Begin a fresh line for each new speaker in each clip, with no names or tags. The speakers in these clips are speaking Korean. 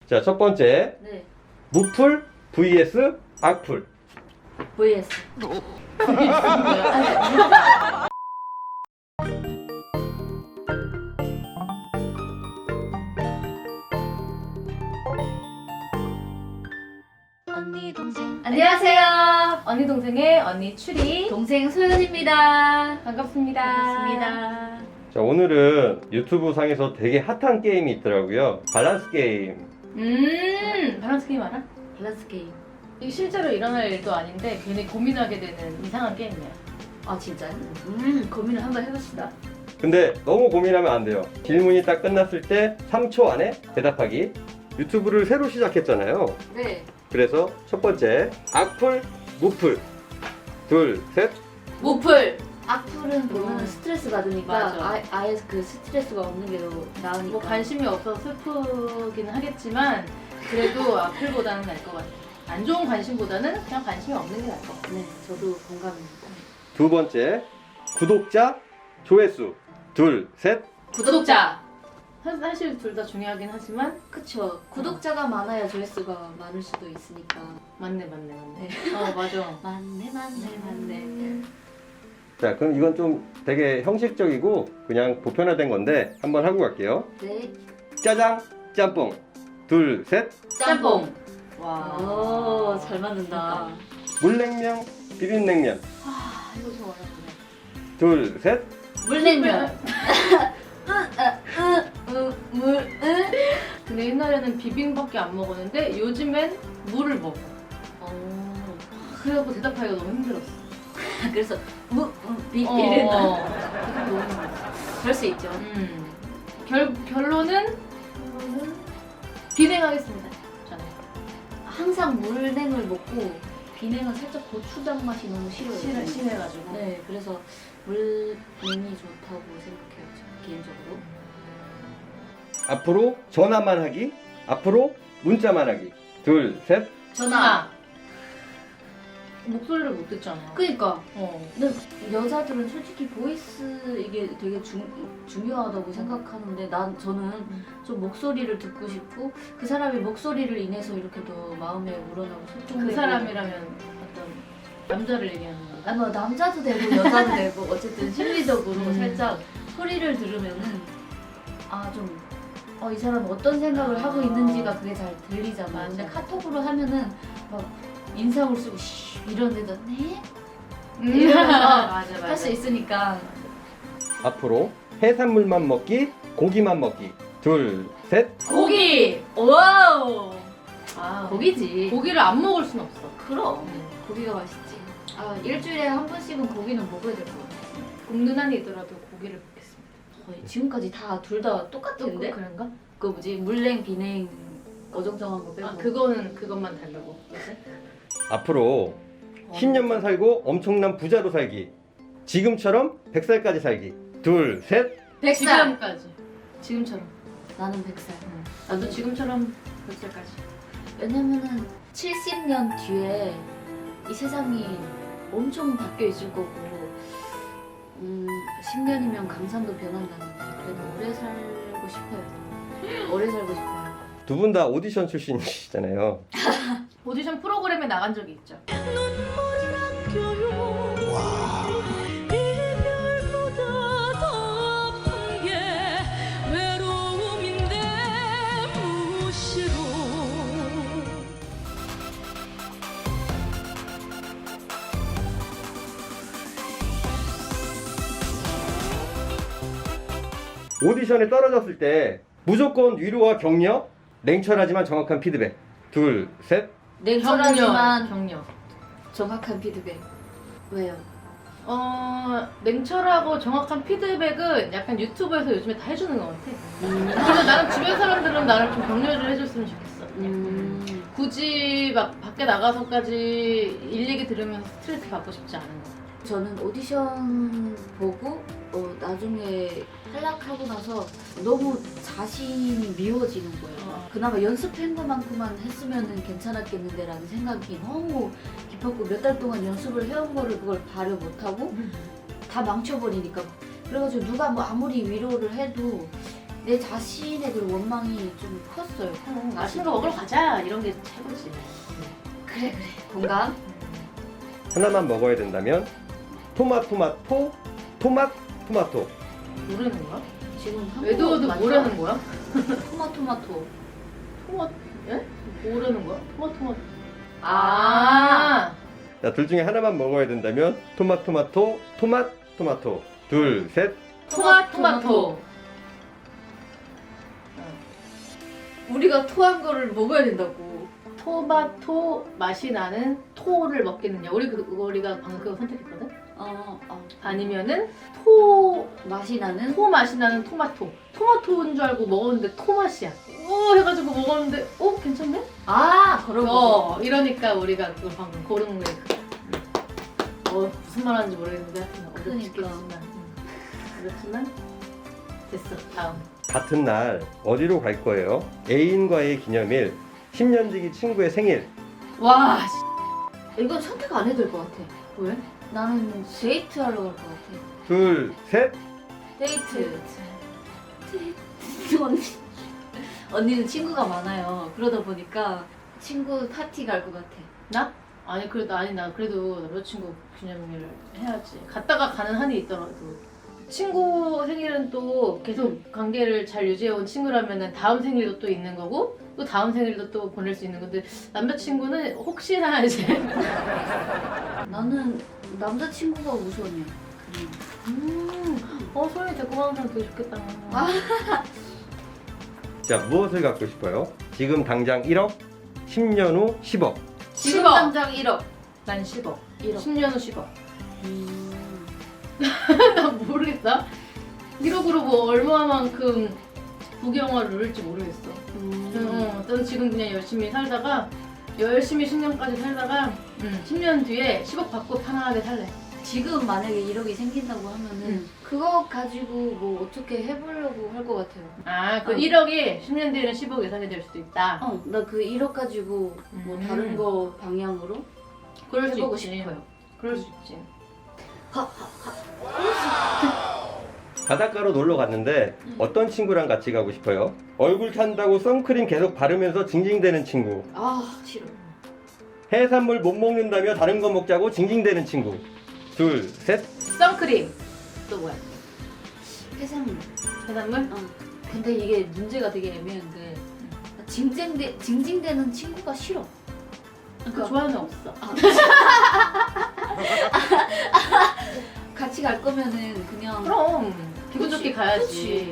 자, 첫 번째.
네.
무풀 vs 악풀.
vs.
언니 동생
안녕하세요. 언니 동생의 언니 추리
동생 소연입니다.
반갑습니다.
반갑습니다.
자, 오늘은 유튜브 상에서 되게 핫한 게임이 있더라고요. 밸런스 게임.
밸런스 게임 알아?
밸런스 게임.
이게 실제로 일어날 일도 아닌데 괜히 고민하게 되는 이상한 게임이야.
아 진짜요? 고민을 한번 해봅시다.
근데 너무 고민하면 안 돼요. 질문이 딱 끝났을 때 3초 안에 대답하기. 유튜브를 새로 시작했잖아요.
네.
그래서 첫 번째, 악풀, 무풀. 둘, 셋.
무풀.
악플은 보면 스트레스 받으니까
맞아.
아예 그 스트레스가 없는 게 더 나으니까.
뭐 관심이 없어서 슬프기는 하겠지만 그래도 악플보다는 나을 것 같아. 안 좋은 관심보다는 그냥 관심이 없는 게 나을 것 같아.
네, 저도 공감입니다.
두 번째, 구독자, 조회수. 둘, 셋.
구독자. 사실 둘 다 중요하긴 하지만
그쵸. 구독자가 많아야 조회수가 많을 수도 있으니까.
맞네. 맞아.
맞네.
자, 그럼 이건 좀 되게 형식적이고 그냥 보편화된 건데 한번 하고 갈게요.
네.
짜장, 짬뽕. 둘, 셋.
짬뽕. 와.
오, 잘 맞는다.
물냉면, 비빔냉면.
아, 이거 좀 어렵네.
둘, 셋.
물냉면.
근데 옛날에는 비빔밖에 안 먹었는데 요즘엔 물을 먹어. 그래갖고 대답하기가 너무 힘들었어.
그래서 비
어.
이랬나? 그럴 수 있죠.
결론은 비냉하겠습니다. 저는.
항상 물냉을 먹고 비냉은 살짝 고추장 맛이 너무 싫어요.
심해가지고.
네, 그래서 물냉이 좋다고 생각해요. 저 개인적으로.
앞으로 전화만 하기. 앞으로 문자만 하기. 둘, 셋.
전화.
목소리를 못 듣잖아.
그니까.
어.
근데 여자들은 솔직히 보이스 이게 되게 중요하다고 생각하는데 저는 좀 목소리를 듣고 싶고 그 사람의 목소리를 인해서 이렇게 더 마음에 우러나고 소통되고.
그 사람이라면 어떤 남자를 얘기하는 건가?
아니 뭐 남자도 되고 여자도 되고 어쨌든 심리적으로
음.
살짝 소리를 들으면은 이 사람 어떤 생각을 하고 있는지가 그게 잘 들리잖아.
맞아.
근데 카톡으로 하면은 막 인상을 쓰고 이런데도 네?
맞아.
할 수 있으니까.
앞으로 해산물만 먹기. 고기만 먹기. 둘, 셋.
고기.
와우.
아,
고기지.
고기를 안 먹을 순 없어.
그럼 고기가 맛있지. 일주일에 한 번씩은 고기는 먹어야 될 것 같아.
굽는 한이 있더라도 고기를 먹겠습니다.
거의 지금까지 둘 다 똑같은데?
그런가?
그 뭐지 물냉 비냉 어정쩡한 거 빼고.
아, 그것만 달라고. 그치?
앞으로 10년만 살고 엄청난 부자로 살기. 지금처럼 100살까지 살기. 둘, 셋.
100살.
지금까지. 지금처럼.
나는 100살.
나도 지금처럼 100살까지.
왜냐면은 70년 뒤에 이 세상이 엄청 바뀌어 있을 거고 10년이면 강산도 변한다는데 그래도 오래 살고 싶어요. 오래 살고 싶어요.
두 분 다 오디션 출신이시잖아요.
오디션 프로그램에 나간 적이 있죠.
오디션에 떨어졌을 때 무조건 위로와 격려, 냉철하지만 정확한 피드백. 둘, 셋.
냉철하지만
격려.
정확한 피드백. 왜요?
냉철하고 정확한 피드백은 약간 유튜브에서 요즘에 다 해주는 것 같아. 그래서 나는 주변 사람들은 나를 좀 격려를 해줬으면 좋겠어. 굳이 막 밖에 나가서까지 일 얘기 들으면서 스트레스 받고 싶지 않은 것 같아.
저는 오디션 보고 나중에 탈락하고 나서 너무 자신이 미워지는 거예요. 그나마 연습한 것만큼만 했으면 괜찮았겠는데 라는 생각이 너무 깊었고 몇 달 동안 연습을 해온 거를 그걸 발휘 못하고 다 망쳐버리니까 그래가지고 누가 뭐 아무리 위로를 해도 내 자신의 그 원망이 좀 컸어요.
맛있는 거 먹으러 가자 이런 게 최고지.
그래 공감.
하나만 먹어야 된다면 토마토.
모르는 거야?
지금 한국어
외도어도
맞죠?
모르는 거야?
토마토.
예? 모르는 거야? 토마토.
아.
자, 둘 중에 하나만 먹어야 된다면 토마토. 둘, 셋.
토마토.
우리가 토한 거를 먹어야 된다고.
토마토 맛이 나는 토를 먹겠느냐? 우리가 방금 그거 선택했거든? 아니면은 토
맛이 나는
맛이 나는 토마토인 줄 알고 먹었는데 토맛이야. 해가지고 먹었는데 괜찮네?
그런 거.
이러니까 우리가 그걸 방금 고른 게 무슨 말 하는지 모르겠는데 하여튼
그러니까.
어렵지만 됐어. 다음.
같은 날 어디로 갈 거예요? 애인과의 기념일, 10년지기 친구의 생일.
와
이건 선택 안 해도 될 것 같아.
왜?
나는 데이트 하러 갈 것 같아.
둘, 셋.
데이트. 언니는 친구가 많아요. 그러다 보니까 친구 파티 갈 것 같아.
나? 아니 나 그래도 남자친구 기념일 해야지. 갔다가 가는 한이 있더라도 친구 생일은 또 계속 관계를 잘 유지해온 친구라면은 다음 생일도 또 있는 거고 또 다음 생일도 또 보낼 수 있는 건데 남자친구는 혹시나 이제
나는 남자친구가 우선이야.
소연이 데리고 가는 사람 되게 좋겠다.
자, 무엇을 갖고 싶어요? 지금 당장 1억, 10년 후 10억.
지금
10억.
당장 1억.
난 10억.
1억.
10년 후 10억. 나 모르겠다. 1억으로 뭐 얼마만큼 부경화를 누릴지 모르겠어. 난 지금 그냥 열심히 살다가 열심히 10년까지 살다가 10년 뒤에 10억 받고 편안하게 살래.
지금 만약에 1억이 생긴다고 하면은 그거 가지고 뭐 어떻게 해보려고 할 것 같아요.
그 1억이 10년 뒤에는 10억 예상이 될 수도 있다.
나 그 1억 가지고 뭐 다른 거 방향으로
그럴 수
해보고
있지.
싶어요.
그럴 수 있지.
바닷가로 놀러 갔는데 어떤 친구랑 같이 가고 싶어요? 얼굴 탄다고 선크림 계속 바르면서 징징대는 친구.
싫어.
해산물 못 먹는다며 다른 거 먹자고 징징대는 친구. 둘, 셋.
선크림. 또 뭐야?
해산물.
해산물?
근데 이게 문제가 되게 애매한 게 징징대는 친구가 싫어.
그 좋아하는 애 없어.
같이 갈 거면은 그냥
그럼 기분 좋게
그치,
가야지.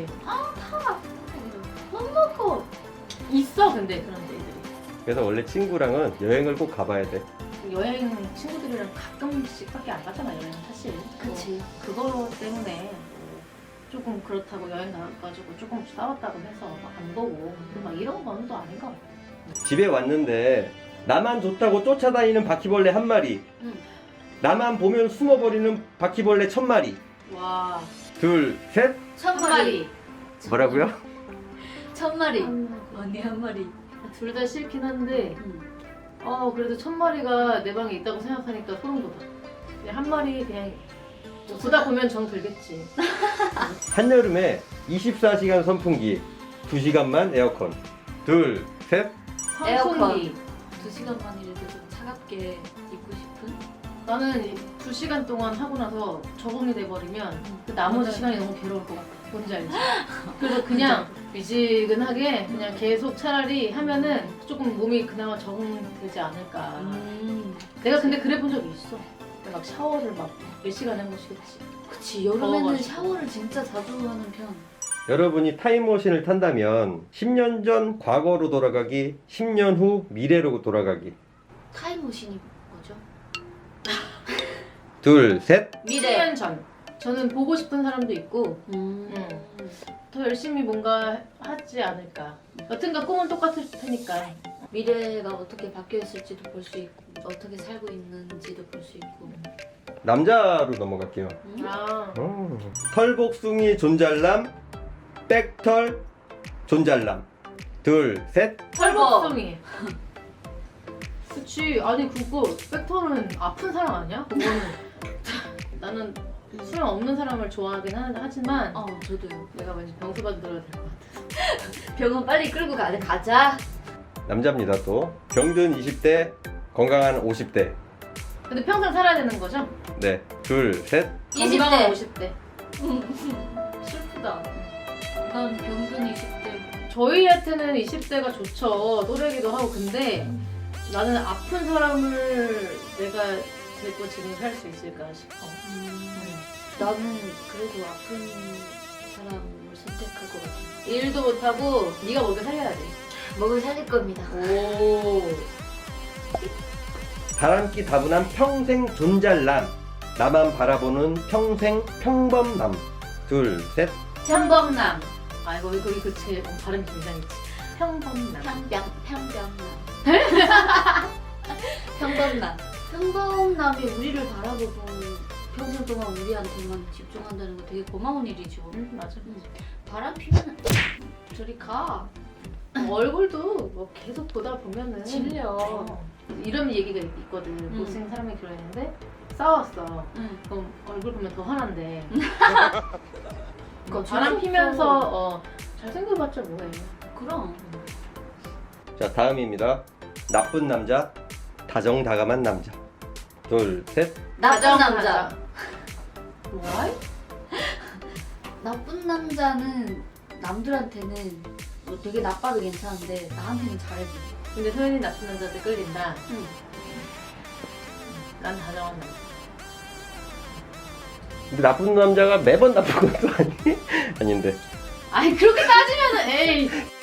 못 먹어.
있어 근데 그런 데들이.
그래서 원래 친구랑은 여행을 꼭 가봐야 돼.
여행 친구들이랑 가끔씩밖에 안 가잖아 여행 사실.
그치.
그거 때문에 조금 그렇다고 여행 가가지고 조금 싸웠다고 해서 막 안 보고 막 이런 건 또 아닌 것 같아.
집에 왔는데 나만 좋다고 쫓아다니는 바퀴벌레 한 마리. 나만 보면 숨어버리는 바퀴벌레 1000마리.
와.
둘, 셋.
1000마리.
뭐라고요?
1000마리. 언니 한 마리.
둘 다 싫긴 한데 그래도 1000마리가 내 방에 있다고 생각하니까 소름 돋아. 그냥 한 마리 그냥 보다 보면 정 들겠지.
한여름에 24시간 선풍기, 2시간만 에어컨. 둘, 셋.
선풍기.
2시간만이라도 좀 차갑게 입고 싶은?
나는 2시간 동안 하고 나서 적응이 돼버리면 그 나머지
맞아요.
시간이 너무 괴로울 것 같아. 뭔지 알지? 그래서 그냥 미지근하게 그냥 계속 차라리 하면은 조금 몸이 그나마 적응되지 않을까. 내가 근데 그래 본 적이 있어. 내가 막 샤워를 막 몇 시간 해보시겠지.
그치, 여름에는
더워가지고.
샤워를 진짜 자주 하는 편.
여러분이 타임머신을 탄다면 10년 전 과거로 돌아가기, 10년 후 미래로 돌아가기.
타임머신이 뭐죠?
둘, 셋.
10년 전. 저는 보고 싶은 사람도 있고 더 열심히 뭔가 하지 않을까. 여튼간 꿈은 똑같을 테니까.
미래가 어떻게 바뀌어 있을지도 볼 수 있고 어떻게 살고 있는지도 볼 수 있고.
남자로 넘어갈게요.
아.
털복숭이 존잘남, 백털 존잘남. 둘, 셋.
털복숭이. 그치. 아니 그거 백터는 아픈 사람 아니야? 그거는 나는 수염 없는 사람을 좋아하긴 하지만
저도요.
내가 왠지 병수 받으러야 될 것 같아.
병원 빨리 끌고 가자.
남자입니다 또. 병든 20대, 건강한 50대.
근데 평생 살아야 되는 거죠?
네, 둘, 셋.
건강한
20대.
50대.
슬프다. 난 병든 20대.
저희한테는 20대가 좋죠. 또래기도 하고. 근데 나는 아픈 사람을 내가 데리고 지금 살 수 있을까 싶어.
나는 그래도 아픈 사람을 선택할 것 같아.
일도 못하고 네가 먹여 살려야 돼.
먹을 살릴 겁니다.
오.
바람기 다분한 평생 존잘남. 나만 바라보는 평생 평범남. 둘, 셋.
평범남. 아 이거 그치 발음이 좀 이상했지. 평범남.
평범남. 평범남이 우리를 바라보고 평생 동안 우리한테만 집중한다는 거 되게 고마운 일이죠.
맞아.
바람 피면 저리 가.
얼굴도 뭐 계속 보다 보면은
질려.
이런 얘기가 있거든. 못생긴 사람이 결혼했는데 싸웠어. 그럼 얼굴 보면 더 화난대. 바람 피면서 잘생겨봤자 뭐해.
그럼.
자, 다음입니다. 나쁜 남자, 다정다감한 남자. 둘, 셋.
나쁜 남자.
뭐야?
나쁜 남자는 남들한테는 뭐 되게 나빠도 괜찮은데 나한테는 잘해줘.
근데 소연이 나쁜 남자한테 끌린다.
응.
난 다정한 남자.
근데 나쁜 남자가 매번 나쁜 것도 아니? 아닌데.
아니 그렇게 따지면은 에이.